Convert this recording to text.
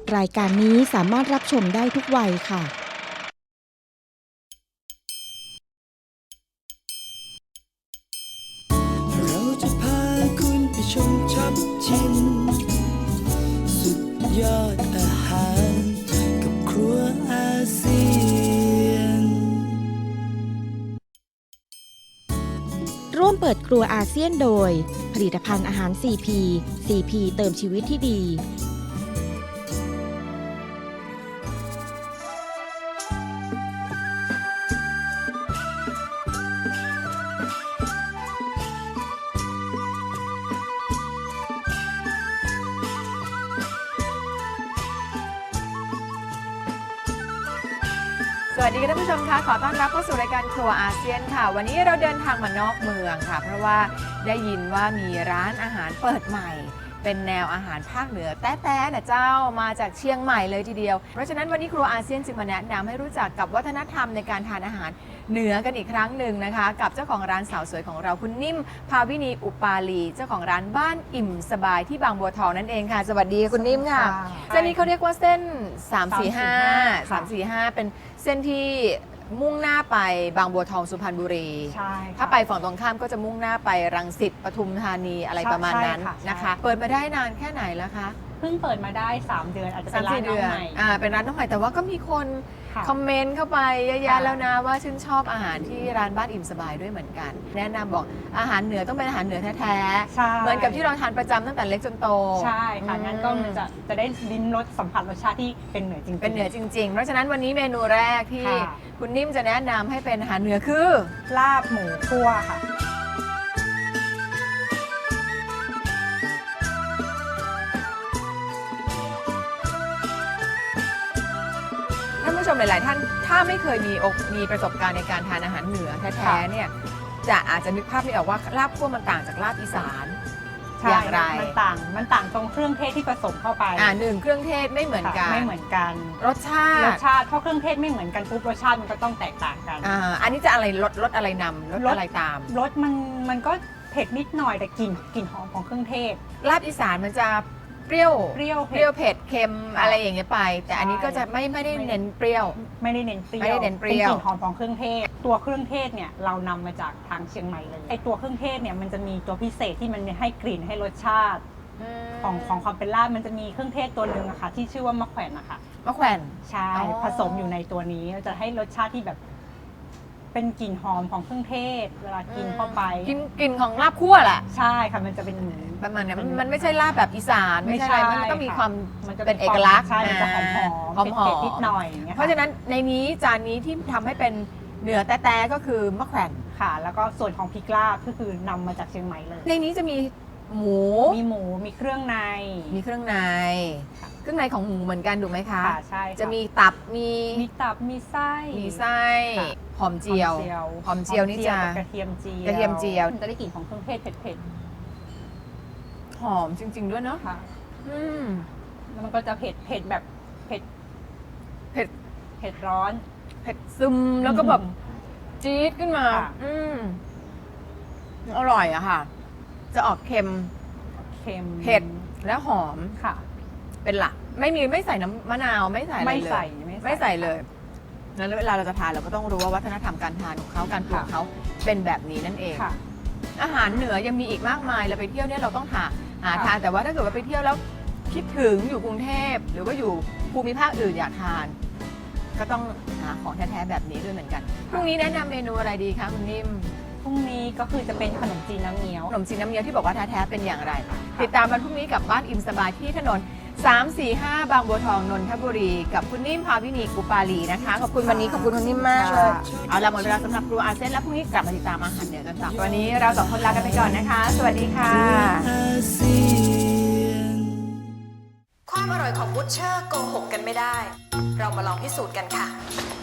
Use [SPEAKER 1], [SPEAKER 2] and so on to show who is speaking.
[SPEAKER 1] รายการนี้สามารถรับชมได้ทุกวัยค่ะ
[SPEAKER 2] เราจะพาคุณไปชมช็อปชิมสุดยอดอาหารกับครัวอาเซียน
[SPEAKER 1] ร่วมเปิดครัวอาเซียนโดยผลิตภัณฑ์อาหาร CP CP เติมชีวิตที่ดี
[SPEAKER 3] สวัสดีท่านผู้ชมค่ะขอต้อนรับเข้าสู่รายการครัวอาเซียนค่ะวันนี้เราเดินทางมานอกเมืองค่ะเพราะว่าได้ยินว่ามีร้านอาหารเปิดใหม่เป็นแนวอาหารภาคเหนือแต้ๆนะเจ้ามาจากเชียงใหม่เลยทีเดียวเพราะฉะนั้นวันนี้ครัวอาเซียนจึงมาแนะนำให้รู้จักกับวัฒนธรรมในการทานอาหารเหนือกันอีกครั้งหนึ่งนะคะกับเจ้าของร้านสาวสวยของเราคุณนิ่มภาวินีอุปาลีเจ้าของร้านบ้านอิ่มสบายที่บางบัวทองนั่นเองค่ะสวัสดีคุณนิ่มค่ะเส้นนี้เขาเรียกว่าเส้น 345เป็นเส้นที่มุ่งหน้าไปบางบัวทองสุพรรณบุรี
[SPEAKER 4] ใช่
[SPEAKER 3] ถ้าไปฝั่งตรงข้ามก็จะมุ่งหน้าไปรังสิตปทุมธานีอะไรประมาณนั้นนะคะเปิดมาได้นานแค่ไหนแล้วคะ
[SPEAKER 4] เพิ่งเปิดมาได้ 3 เดือนอาจจะเป็นร้านน้องใหม่
[SPEAKER 3] เป็นร้านน้องใหม่แต่ว่าก็มีคนคอมเมนต์เข้าไปเยอะแยะแล้วนะว่าชื่นชอบอาหารที่ร้านบ้านอิ่มสบายด้วยเหมือนกันแนะนำบอกอาหารเหนือต้องเป็นอาหารเหนือแท้ๆเหมือนกับที่เราทานประจำตั้งแต่เล็กจนโต
[SPEAKER 4] ใช่ค่ะงั้นก็มันจะได้ลิ้มรสสัมผัสรสชาติที่เป็นเหนือจริงๆ
[SPEAKER 3] เป็นเหนือจริงๆเพราะฉะนั้นวันนี้เมนูแรกที่คุณนิ่มจะแนะนำให้เป็นอาหารเหนือคือ
[SPEAKER 4] ลาบหมูคั่วค่ะ
[SPEAKER 3] ท่านผู้ชมหลายๆท่านถ้าไม่เคยมีประสบการณ์ในการทานอาหารเหนือแท้ๆเนี่ยอาจจะนึกภาพไม่ออกว่าลาบคั่วมันต่างจากลาบอีสานอย่างไร
[SPEAKER 4] มันต่างตรงเครื่องเทศที่ผสมเข้าไป
[SPEAKER 3] หนึ่งเครื่องเทศไม่เหมือนกันรสชาติ
[SPEAKER 4] เพราะเครื่องเทศไม่เหมือนกันปุ๊บรสชาติมันก็ต้องแตกต่างกัน
[SPEAKER 3] อันนี้จะอะไรรสอะไรนำรสอะไรตาม
[SPEAKER 4] รสมันก็เผ็ดนิดหน่อยแต่กลิ่นหอมของเครื่องเทศ
[SPEAKER 3] ลาบอีสานมันจะเปรี้ยวเผ็ดเค็มอะไรอย่างเงี้ยไปแต่อันนี้ก็จะไม่ได้เน้นเปรี้ยว
[SPEAKER 4] ไม่ได้เน้นเปรี้ยวเป็นกลิ่นหอมของเครื่องเทศตัวเครื่องเทศเนี่ยเรานำมาจากทางเชียงใหม่เลยไอตัวเครื่องเทศเนี่ยมันจะมีตัวพิเศษที่มันให้กลิ่นให้รสชาติของความเป็นลาบมันจะมีเครื่องเทศตัวหนึ่งอะค่ะที่ชื่อว่ามะแขวนนะคะ
[SPEAKER 3] มะแขวน
[SPEAKER 4] ใช่ผสมอยู่ในตัวนี้จะให้รสชาติที่แบบเป็นกลิ่นหอมของเครื่องเทศเวลากินเข้าไป
[SPEAKER 3] กลิ่นของลาบคั่วแหละ
[SPEAKER 4] ใช่ค่ะมันจะเป็น
[SPEAKER 3] ประมาณนี้มันไม่ใช่ลาบแบบอีสานไม่ใช่มันต้องมีความเป็นเอกลักษณ์
[SPEAKER 4] ใช่มันจะหอมเผ็ดนิดหน่อย
[SPEAKER 3] เพราะฉะนั้นในนี้จานนี้ที่ทำให้เป็นเหนือแต้ๆก็คือมะแขวน
[SPEAKER 4] ค่ะแล้วก็ส่วนของพริกลาบก็คือนำมาจากเชียงใหม่เลย
[SPEAKER 3] ในนี้จะมีหมู
[SPEAKER 4] มีเครื่องใน
[SPEAKER 3] เครื่องในของหมูเหมือนกันถูกไหมคะ
[SPEAKER 4] ใช่
[SPEAKER 3] จะมีตับมี
[SPEAKER 4] ไส้
[SPEAKER 3] หอมเจียวนี่จะ
[SPEAKER 4] กระเทียมเจียวจะได้กลิ่นของเครื่องเทศเผ็ด
[SPEAKER 3] หอมจริงๆด้วยเนาะ
[SPEAKER 4] แล้วมันก็จะเผ็ดแบบเผ็ดร้อน
[SPEAKER 3] เผ็ดซึมแล้วก็แบบจี๊ดขึ้นมาอร่อยอะค่ะจะออกเค็มเผ็ดและหอม
[SPEAKER 4] ค่ะ
[SPEAKER 3] เป็นหลักไม่ใส่น้ำมะนาวไม่ใส่อะไรเลยไม่ใส่เลยแล้วเวลาเราจะทานเราก็ต้องรู้ว่าวัฒนธรรมการทานของเขาการปรุงเขาเป็นแบบนี้นั่นเองอาหารเหนือยังมีอีกมากมายเราไปเที่ยวเนี่ยเราต้องหาทานแต่ว่าถ้าเกิดว่าไปเที่ยวแล้วคิดถึงอยู่กรุงเทพหรือว่าอยู่ภูมิภาคอื่นอยากทานก็ต้องหาของแท้ๆแบบนี้ด้วยเหมือนกันพรุ่งนี้แนะนำเมนูอะไรดีคะคุณนิ่ม
[SPEAKER 4] พรุ่งนี้ก็คือจะเป็นขนมจีนน้ำเงี้ยว
[SPEAKER 3] ที่บอกว่าแท้ๆเป็นอย่างไรติดตามวันพรุ่งนี้กับบ้านอิ่มสบายที่ถนน345บางบัวทองนนทบุรีกับคุณนิ่มภาวินีกุปาลีนะคะขอบคุณวันนี้ขอบคุณคุณนิ่มมากเลยเอาละหมดเวลาสำหรับครัวอาเซียนแล้วพรุ่งนี้กลับมาติดตามอาหารเหนือกันต่อวันนี้เราสองคนลากันไปก่อนนะคะสวัสดีค่ะ
[SPEAKER 1] ความอร่อยของบูชเชอร์โกหกกันไม่ได้เรามาลองพิสูจน์กันค่ะ